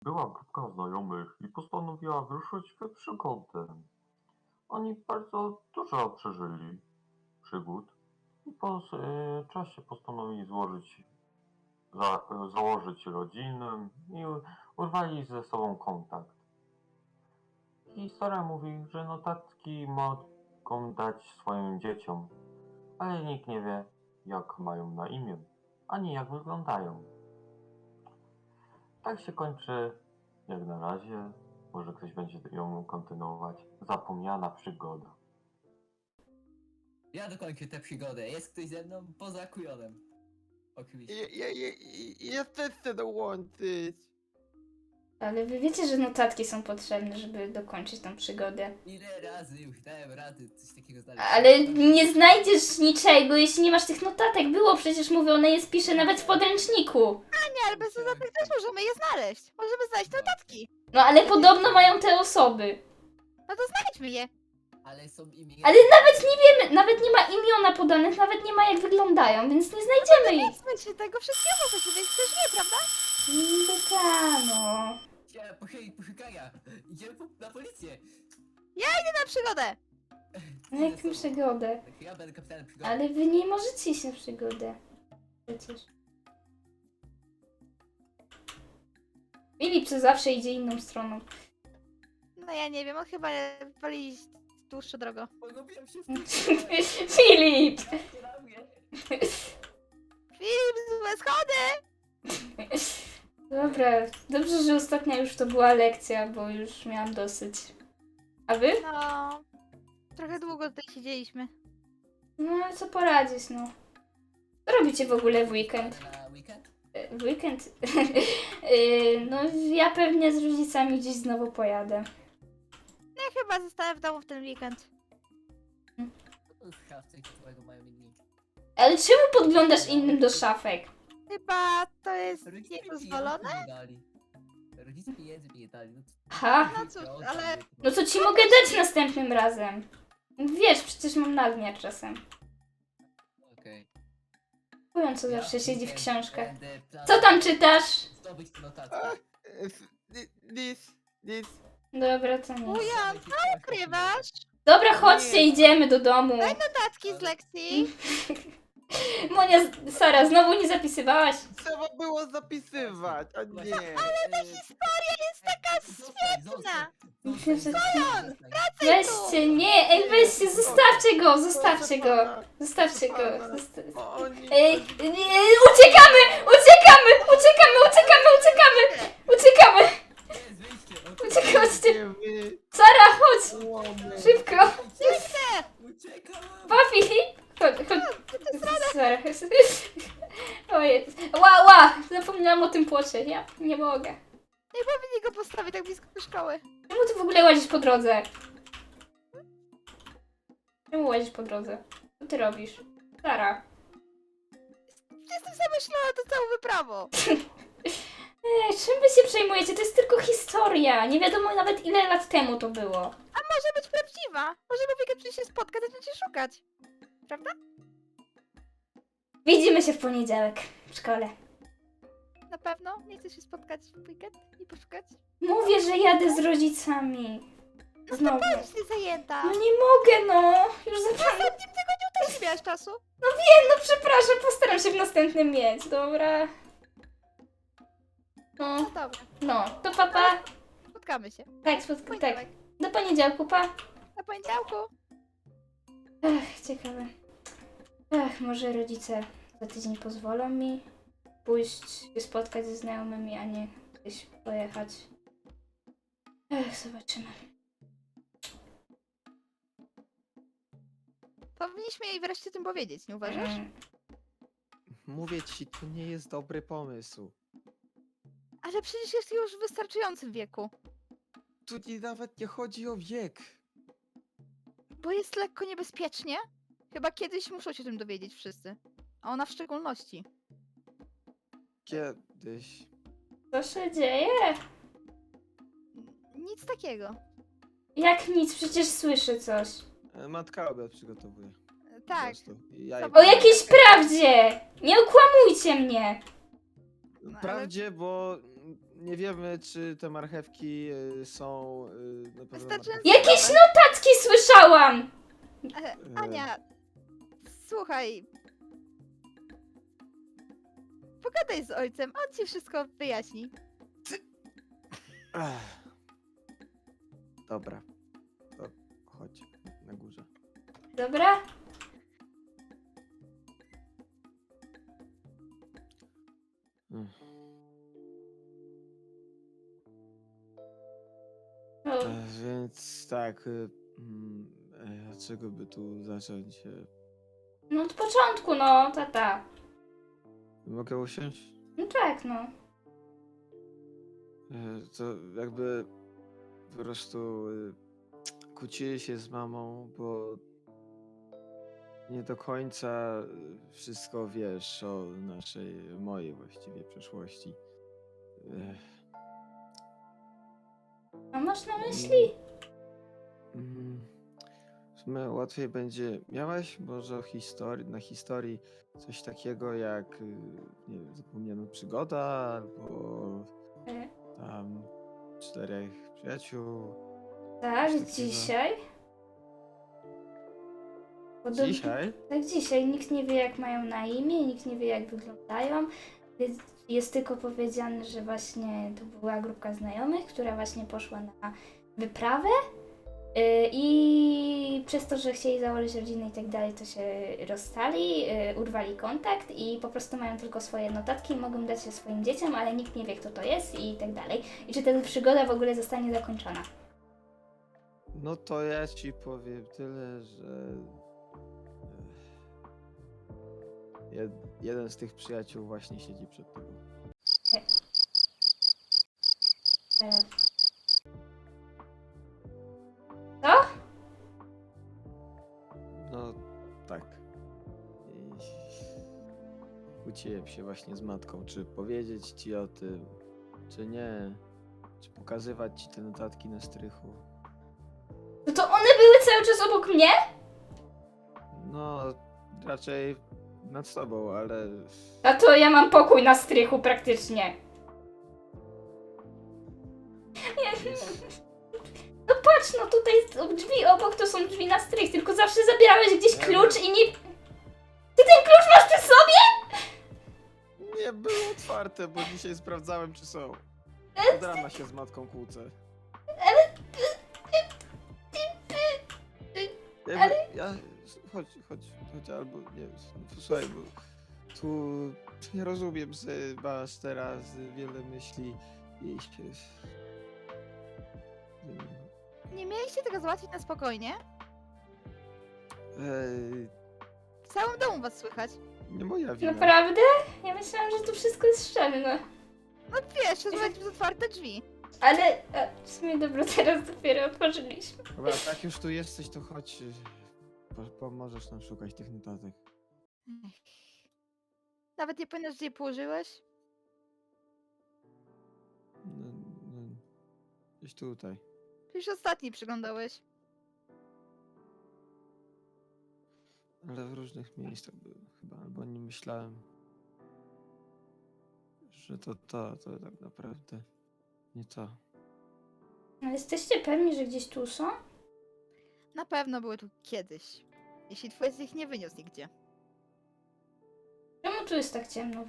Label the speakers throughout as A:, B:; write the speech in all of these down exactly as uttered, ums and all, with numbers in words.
A: Była grupka znajomych i postanowiła wyruszyć w przygodę. Oni bardzo dużo przeżyli przygód i po s- e, czasie postanowili złożyć, za, e, założyć rodzinę i u- urwali ze sobą kontakt. Historia mówi, że notatki mogą dać swoim dzieciom, ale nikt nie wie, jak mają na imię, ani jak wyglądają. Tak się kończy, jak na razie. Może ktoś będzie ją kontynuować. Zapomniana przygoda.
B: Ja dokończę tę przygodę. Jest ktoś ze mną? Poza kujonem. Oczywiście.
C: Ja, ja, ja, ja też chcę dołączyć.
D: Ale wy wiecie, że notatki są potrzebne, żeby dokończyć tą przygodę.
B: Ile razy już dałem rady coś takiego znaleźć.
D: Ale nie znajdziesz niczego, jeśli nie masz tych notatek. Było przecież mówione, je spiszę nawet w podręczniku.
E: Nie, ale bez notatek też możemy je znaleźć. Możemy znaleźć notatki.
D: No ale podobno mają te osoby.
E: No to znajdźmy je.
B: Ale są imiona.
D: Ale nawet nie wiemy, nawet nie ma imiona podanych, nawet nie ma jak wyglądają, więc nie znajdziemy ich.
E: Słuchaj się tego wszystkiego, co się więc też nie, prawda?
D: Dykano.
B: Idziemy po chwili poszukania. Idziemy po, na policję.
E: Idę na przygodę.
D: Na jaką przygodę?
B: Tak, ja będę kapitanem przygody.
D: Ale wy nie możecie iść na przygodę. Przecież. Filip co zawsze idzie inną stroną.
E: No ja nie wiem, on chyba wali dłuższą drogą.
B: Pogubiłem się w tym.
D: Filip!
E: Filip, złe schody!
D: Dobra, dobrze, że ostatnia już to była lekcja, bo już miałam dosyć. A wy?
E: No, trochę długo tutaj siedzieliśmy.
D: No ale co poradzić, no. Co robicie w ogóle w weekend?
B: Na weekend?
D: E, W weekend? E, no ja pewnie z rodzicami gdzieś znowu pojadę.
E: No ja chyba zostanę w domu w ten weekend.
B: Szafce, którego mają inni.
D: Ale czemu podglądasz innym do szafek?
E: Chyba to jest
B: Rodzice mi
E: niedozwolone?
B: pieniędzy nie dali. Rodzice pieniędzy mi nie dali. No, to-
D: Ha?
E: No cóż, ale-
D: No co ci mogę dać następnym razem? Wiesz, przecież mam nadmiar czasem.
B: Okej.
D: Mówią, co
B: Ja
D: zawsze siedzi w
B: weekend
D: książkach.
B: będę planował
D: Co tam czytasz?
B: Zdobyć notatki.
C: Nic, nic.
D: Dobra, to nie.
E: Wujan, co ukrywasz?
D: Dobra, chodźcie,
C: Nie.
D: idziemy do domu.
E: Notatki z lekcji.
D: Monia, Sara, znowu nie zapisywałaś?
C: Trzeba było zapisywać, a nie.
B: Ale ta historia
E: jest taka świetna.
D: Weźcie, nie, ej, weźcie, zostawcie go, zostawcie go. Zostawcie go. Zosta-
C: Oni...
D: Ej, nie, uciekamy, uciekamy, uciekamy, uciekamy, uciekamy, uciekamy. Uciekaj, chodźcie.
C: Nie wy...
D: Sara, chodź,
C: łamy.
D: szybko.
B: Uciekam!
D: Papi, chodź, chodź. Sara. Ojej, ła, ła, zapomniałam o tym płocie, ja nie mogę.
E: Nie powinni go postawić tak blisko do szkoły.
D: Czemu ty w ogóle łazisz po drodze? Czemu łazisz po drodze? Co ty robisz? Sara.
E: Jestem zamyślona to całą wyprawą.
D: Ej, czym wy się przejmujecie? To jest tylko historia. Nie wiadomo nawet ile lat temu to było.
E: A może być prawdziwa. Możemy w weekend przyjść się spotkać, zacząć się szukać. Prawda?
D: Widzimy się w poniedziałek w szkole.
E: Na pewno? Nie chcesz się spotkać w weekend i poszukać?
D: Mówię, że jadę z rodzicami. Znowu.
E: Jesteś zajęta.
D: No nie mogę, no. Już zapomniałam.
E: W ostatnim tygodniu też nie miałaś czasu.
D: No przepraszam, postaram się w następnym mieć, dobra?
E: No
D: No,
E: dobra,
D: no, to papa.
E: spotkamy się.
D: Tak, spotkam, tak.
E: Poniedziałek.
D: Do poniedziałku, pa.
E: Na poniedziałku.
D: Ech, ciekawe. Ech, może rodzice za tydzień pozwolą mi pójść się spotkać ze znajomymi, a nie gdzieś pojechać. Ech, zobaczymy.
E: Powinniśmy jej wreszcie o tym powiedzieć, nie uważasz?
D: Mm,
C: Mówię ci, to nie jest dobry pomysł.
E: Ale przecież jest już w wystarczającym wieku.
C: Tu ci nawet nie chodzi o wiek.
E: Bo jest lekko niebezpiecznie. Chyba kiedyś muszą się o tym dowiedzieć wszyscy. A ona w szczególności.
C: Kiedyś.
D: Co się dzieje?
E: Nic takiego.
D: Jak nic, przecież słyszę coś.
C: E, Matka obiad przygotowuje.
E: E, Tak.
C: Po prostu. Ja
E: O
D: O jakiejś prawdzie! Nie okłamujcie mnie!
E: No, ale-
C: Prawdzie, bo nie wiemy, czy te marchewki y, są y, na pewno
E: Wystarczająco
C: marchewki.
D: Jakieś
E: zdrowe.
D: Tacki słyszałam!
E: E,
C: Y,
E: Ania, słuchaj. Pogadaj z ojcem, on ci wszystko wyjaśni.
C: Ech. Dobra. To chodź na górze.
D: Dobra?
C: Mm.
D: O,
C: E, Więc tak, y, mm, e, od czego by tu zacząć? E,
D: no od początku, no, tata.
C: Mogę usiąść?
D: No tak, no.
C: E, To jakby po prostu y, kłócili się z mamą, bo nie do końca y, wszystko wiesz o naszej, mojej właściwie przeszłości. Ech.
D: A masz na myśli?
C: Mm, W sumie łatwiej będzie. Miałaś może o historii, na historii coś takiego jak, y, nie wiem, zapomniana przygoda albo
D: E,
C: tam czterech przyjaciół.
D: Tak,
C: Coś takiego.
D: dzisiaj. Podob-
C: Dzisiaj?
D: Tak, dzisiaj. Nikt nie wie, jak mają na imię, nikt nie wie, jak wyglądają. Więc jest tylko powiedziane, że właśnie to była grupka znajomych, która właśnie poszła na wyprawę. Yy, I przez to, że chcieli założyć rodzinę i tak dalej, to się rozstali, yy, urwali kontakt i po prostu mają tylko swoje notatki, mogą dać się swoim dzieciom, ale nikt nie wie, kto to jest i tak dalej. I czy ta przygoda w ogóle zostanie zakończona.
C: No to ja ci powiem tyle, że ech, jed, jeden z tych przyjaciół właśnie siedzi przed tobą.
D: E, Co?
C: No tak. I kłóciłem się właśnie z matką, czy powiedzieć ci o tym, czy nie. Czy pokazywać ci te notatki na strychu.
D: No to one były cały czas obok mnie?
C: No, raczej nad sobą, ale
D: A to ja mam pokój na strychu praktycznie. Nie. No patrz, no tutaj drzwi obok to są drzwi na strych, tylko zawsze zabierałeś gdzieś klucz i nie... Ty ten klucz masz przy sobie?
C: nie było otwarte, bo dzisiaj sprawdzałem, czy są. Od rana się z matką kłócę. Jakby, ja, chodź, chodź, chodź, albo nie, słuchaj, bo tu nie rozumiem, że masz teraz wiele myśli i się...
E: Nie mieliście tego załatwić na spokojnie?
C: Ej,
E: W całym domu was słychać.
C: nie moja wina.
D: Naprawdę? Ja myślałam, że to wszystko jest szczelne.
E: No wiesz, rozmawiać przez otwarte drzwi.
D: Ale a, w sumie dobro, teraz dopiero otworzyliśmy.
C: Dobra, tak już tu jesteś, to chodź, y, po, pomożesz nam szukać tych notatek.
E: Ech. Nawet nie pamiętasz, gdzie je położyłeś?
C: No, no, gdzieś tutaj.
E: Przecież ostatni przyglądałeś.
C: Ale w różnych miejscach były chyba, albo nie myślałem, że to to, to tak naprawdę nie to.
D: Ale jesteście pewni, że gdzieś tu są?
E: Na pewno były tu kiedyś. Jeśli twój z ich nie wyniósł nigdzie.
D: Czemu tu jest tak ciemno?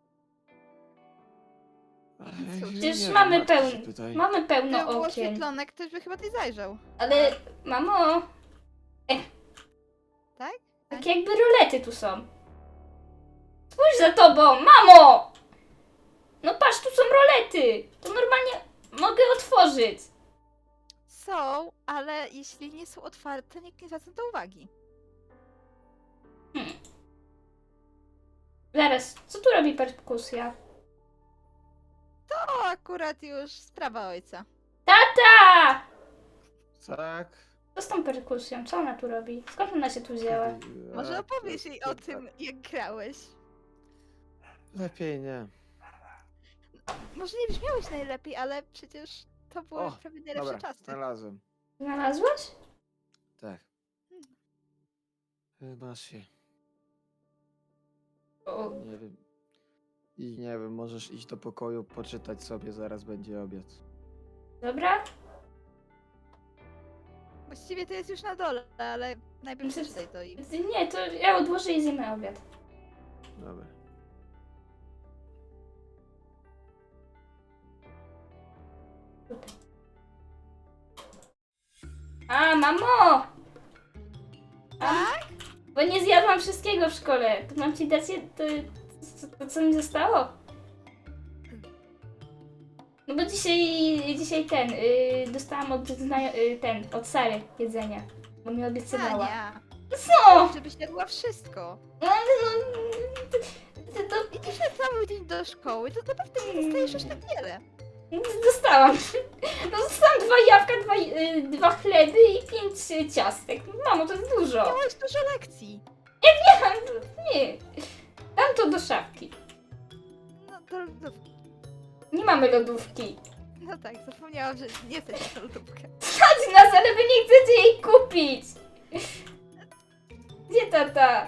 C: Ej,
E: cóż,
C: nie
D: Przecież
C: wiem,
D: mamy
C: matko się
D: pełn-
C: pytaj.
D: Mamy
E: Gdyby
D: pełno
E: było
D: okien.
E: oświetlone, ktoś by chyba tutaj zajrzał.
D: Ale mamo,
E: Tak?
D: tak jakby rolety tu są. Spójrz za tobą, mamo! No patrz, tu są rolety. To normalnie mogę otworzyć.
E: Są, ale jeśli nie są otwarte, nikt nie zwraca na to uwagi.
D: Hmm. Zaraz, co tu robi perkusja?
E: To akurat już sprawa ojca.
D: Tata!
C: Tak.
D: Co z tą perkusją? Co ona tu robi? Skąd ona się tu wzięła?
E: Może
C: A,
E: opowiesz
C: to-
E: jej
C: to
E: o
C: tak.
E: tym, jak grałeś.
C: Lepiej nie.
E: Może nie brzmiałeś najlepiej, ale przecież to były
C: O,
E: prawie najlepsze
C: Dobra,
E: czasy.
C: znalazłem.
D: Znalazłaś?
C: Tak. Y, Masz się.
D: O,
C: Nie wiem. I nie wiem, możesz iść do pokoju, poczytać sobie, zaraz będzie obiad.
D: Dobra?
E: Właściwie to jest już na dole, ale najpierw
D: Myślę,
E: przeczytaj to i...
D: Nie, to ja odłożę i zjemy obiad.
C: Dobra.
D: A, mamo! A, bo nie zjadłam wszystkiego w szkole. To mam ci dać je, to, to, to, co mi zostało? No bo dzisiaj, dzisiaj ten, yy, dostałam od, zna- yy, ten, od Sary jedzenie. Bo mi obiecywała.
E: Ania,
D: Co?
E: żebyś jadła wszystko.
D: No, no, to, to,
E: Idziesz na cały dzień do szkoły, to naprawdę nie dostajesz aż tak wiele.
D: dostałam. No, dostałam dwa jabłka, dwa, yy, dwa chleby i pięć yy, ciastek. Mamo, to jest dużo.
E: Miałeś dużo lekcji.
D: Nie, dam to do szafki.
E: No to, to,
D: Nie mamy lodówki.
E: no tak, zapomniałam, że nie jesteś na lodówkę.
D: Chodź nas, ale wy nie chcecie jej kupić. Gdzie tata?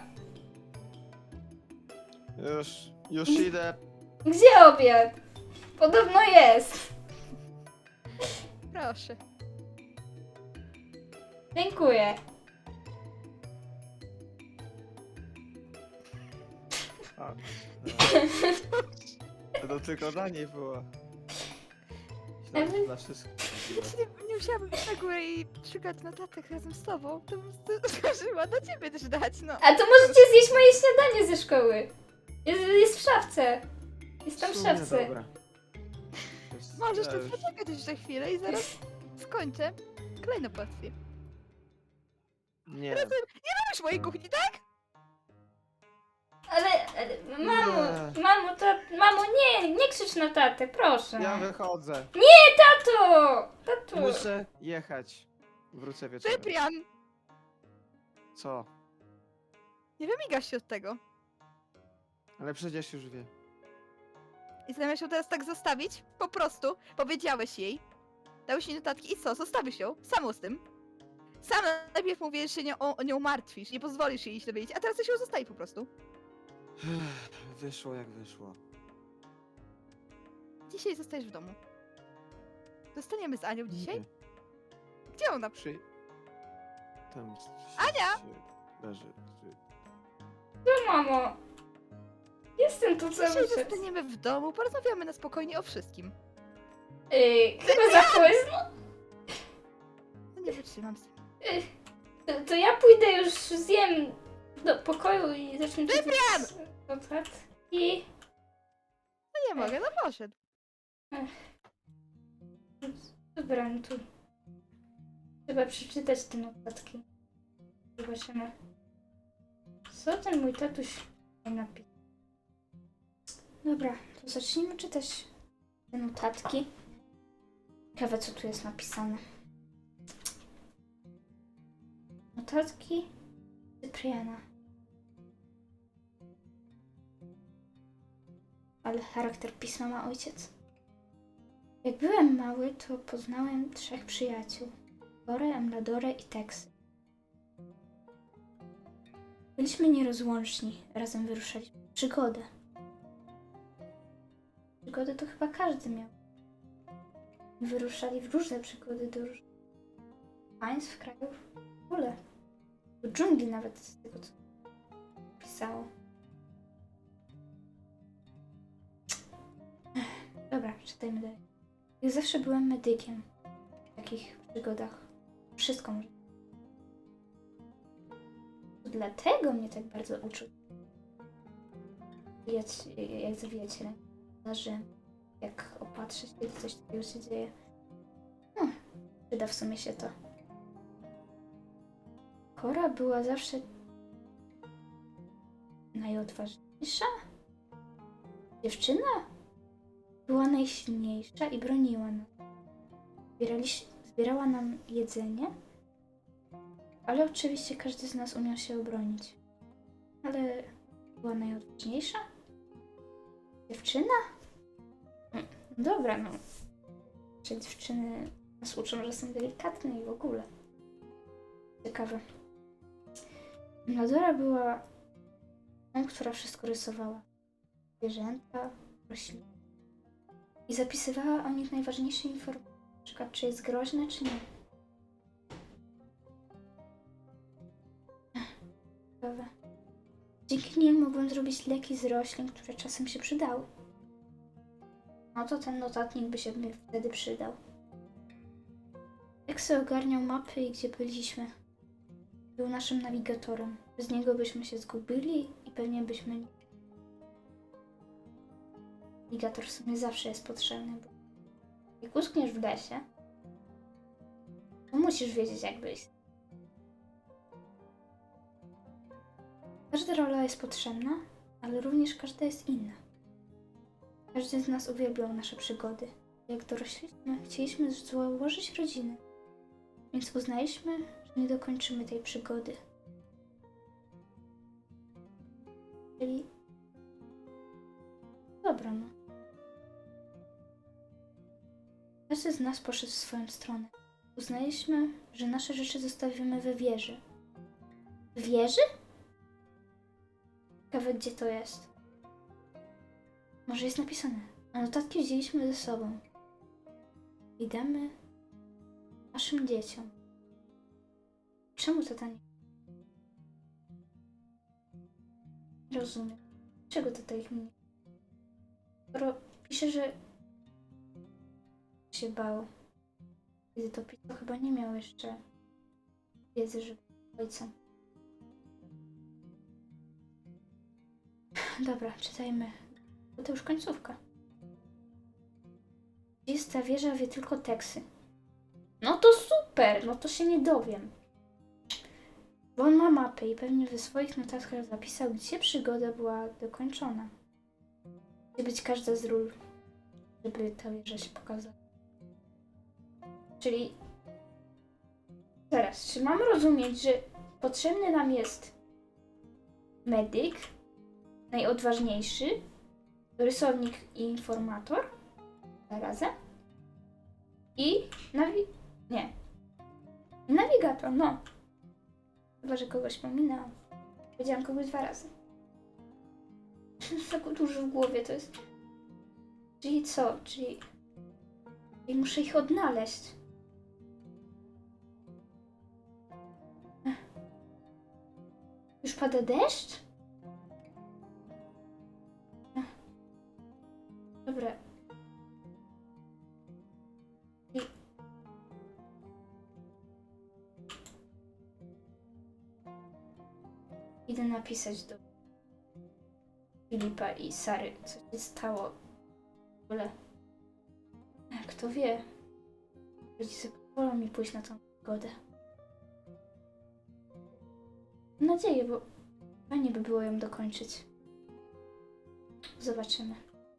C: Już, już idę.
D: Gdzie obiad? Podobno jest.
E: Proszę.
D: Dziękuję.
C: A, no. To tylko dla niej było. Myślałem, że dla wszystkich.
E: Nie, nie musiałabym iść na górę i szukać notatek razem z tobą. To bym zdążyła do ciebie też dać, no.
D: A to możecie zjeść moje śniadanie ze szkoły. Jest, jest w szafce. Jest tam w
C: sumie
D: szafce.
C: Dobra. Jest-
E: Możesz
C: ja
E: tu
C: już-
E: poczekać jeszcze chwilę i zaraz skończę kolejną porcję.
C: Nie,
E: Lubisz mojej kuchni, tak?
D: Ale, ale mamo,
C: Nie.
D: mamo, to, mamo, nie, nie krzycz na tatę, proszę.
C: ja wychodzę.
D: Tato, tato.
C: Muszę jechać. Wrócę wieczorem.
E: Cyprian!
C: Co?
E: Nie wymigasz się od tego.
C: Ale przecież już wie.
E: I zamiast ją teraz tak zostawić, po prostu powiedziałeś jej, dałeś jej notatki i co, zostawisz ją, samą z tym. Sam najpierw mówisz, że się nie, o, o nią martwisz, nie pozwolisz jej się dowiedzieć, a teraz chcesz ją zostawić po prostu.
C: Wyszło jak wyszło.
E: Dzisiaj zostajesz w domu. Zostaniemy z Anią dzisiaj?
C: Nie.
E: Gdzie ona?
C: Przy... Tam... się-
E: Ania!
C: się Leży. Czy...
D: No, mamo. Jestem tu cały
E: Dzisiaj
D: czas.
E: zostaniemy w domu, porozmawiamy na spokojnie o wszystkim.
D: Yy, chyba za późno.
E: No nie wytrzymam z tym.
D: To, to ja pójdę już zjem do pokoju i zacznę czytać notatki.
E: No nie mogę, no poszedł.
D: Dobra, no to trzeba przeczytać te notatki. Zobaczymy. Co ten mój tatuś napisał? Dobra, to zacznijmy czytać te notatki. Ciekawe, co tu jest napisane. Notatki Cypriana. Ale charakter pisma ma ojciec. Jak byłem mały, to poznałem trzech przyjaciół. Borę, Emladorę i Teksy. Byliśmy nierozłączni. Razem wyruszaliśmy w przygodę. Przygody to chyba każdy miał. Wyruszali w różne przygody do różnych państw, krajów, w ogóle. Do dżungli nawet, z tego co pisało. Dobra, czytajmy dalej. Ja zawsze byłem medykiem w takich przygodach. Wszystko może. To dlatego mnie tak bardzo uczył. Jak, jak zawijać ręce, jak opatrzyć, kiedy coś takiego się dzieje. No, przyda w sumie się to. Kora była zawsze najodważniejsza. Dziewczyna była najsilniejsza i broniła nas. Zbieraliś, zbierała nam jedzenie, ale oczywiście każdy z nas umiał się obronić. Ale była najodważniejsza? Dziewczyna? Mm, Dobra, no. Czy dziewczyny nas uczą, że są delikatne i w ogóle. Ciekawe. Mladora była tą, która wszystko rysowała. zwierzęta, rośliny. I zapisywała o nich najważniejsze informacje, na przykład czy jest groźne, czy nie. Ech, ciekawe. Dzięki nim mogłem zrobić leki z roślin, które czasem się przydały. No to ten notatnik by się mi wtedy przydał. Eksy ogarniał mapy i gdzie byliśmy. Był naszym nawigatorem. Bez niego byśmy się zgubili i pewnie byśmy... Nawigator w sumie zawsze jest potrzebny, bo jak utkniesz w lesie, to musisz wiedzieć jak wyjść. Każda rola jest potrzebna, ale również każda jest inna. Każdy z nas uwielbiał nasze przygody. Jak dorośliśmy, chcieliśmy założyć rodzinę, więc uznaliśmy, że nie dokończymy tej przygody. Czyli... Dobra, no. Każdy z nas poszedł w swoją stronę. Uznaliśmy, że nasze rzeczy zostawimy we wieży. W wieży? Ciekawe, gdzie to jest. Może jest napisane. A notatki wzięliśmy ze sobą. I damy naszym dzieciom. Czemu to tak nie... Nie rozumiem. Czego to tak nie... Skoro pisze, że się bał. Kiedy to pisał, chyba nie miał jeszcze wiedzy, że był ojcem. Dobra, czytajmy. Bo to już końcówka. Jest ta wieża, wie tylko teksty. No to super, no to się nie dowiem. Bo on ma mapę i pewnie we swoich notatkach zapisał, gdzie przygoda była dokończona. Gdzie być każda z ról, żeby ta wieża się pokazała. Czyli teraz, czy mam rozumieć, że potrzebny nam jest medyk, najodważniejszy, rysownik i informator zarazem i nawi... nie. Nawigator, no. Chyba, że kogoś pominęłam. Powiedziałam kogoś dwa razy. Tak dużo w głowie to jest. Czyli co? Czyli... Czyli muszę ich odnaleźć. Ech. Już pada deszcz? Ech. Dobra. I... Idę napisać do Filipa i Sary, co się stało. W ogóle. Kto wie? Rodzice pozwolą mi pójść na tą przygodę. Mam nadzieję, bo fajnie by było ją dokończyć. Zobaczymy.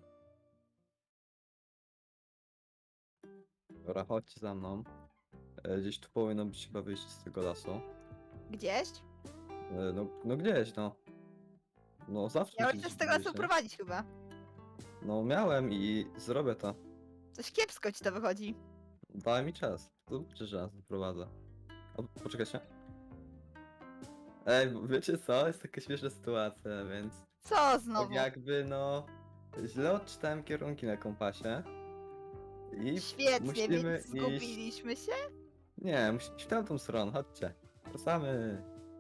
F: Dobra, chodźcie za mną. E, Gdzieś tu powinno być chyba wyjść z tego lasu.
E: Gdzieś?
F: E, No, no gdzieś, no. No zawsze
E: Miałeś
F: gdzieś
E: też z tego lasu
F: wyjść, nie?
E: prowadzić chyba.
F: No miałem i zrobię to.
E: Coś kiepsko ci to wychodzi.
F: Daj mi czas. To przecież raz prowadzę. O, poczekajcie. Ej, bo wiecie co? Jest taka śmieszna sytuacja, więc
E: Co
F: tak
E: znowu?
F: jakby no źle odczytałem kierunki na kompasie. I
E: Świetnie,
F: musimy
E: więc
F: iść...
E: zgubiliśmy się?
F: Nie, musimy iść w tamtą stronę, chodźcie. Wracamy.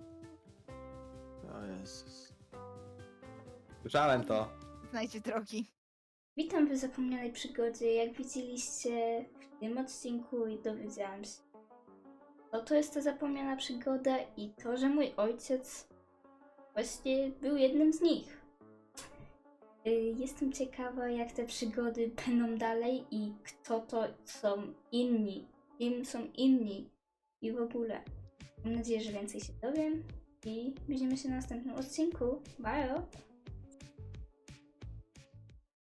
C: O Jezus.
F: Słyszałem to.
E: Znajdzie drogi.
D: Witam w zapomnianej przygodzie. Jak widzieliście w tym odcinku i dowiedziałam się, co to jest ta zapomniana przygoda i to, że mój ojciec właśnie był jednym z nich. Y, Jestem ciekawa, jak te przygody będą dalej i kto to są inni, kim są inni i w ogóle. Mam nadzieję, że więcej się dowiem i widzimy się na następnym odcinku. Bye!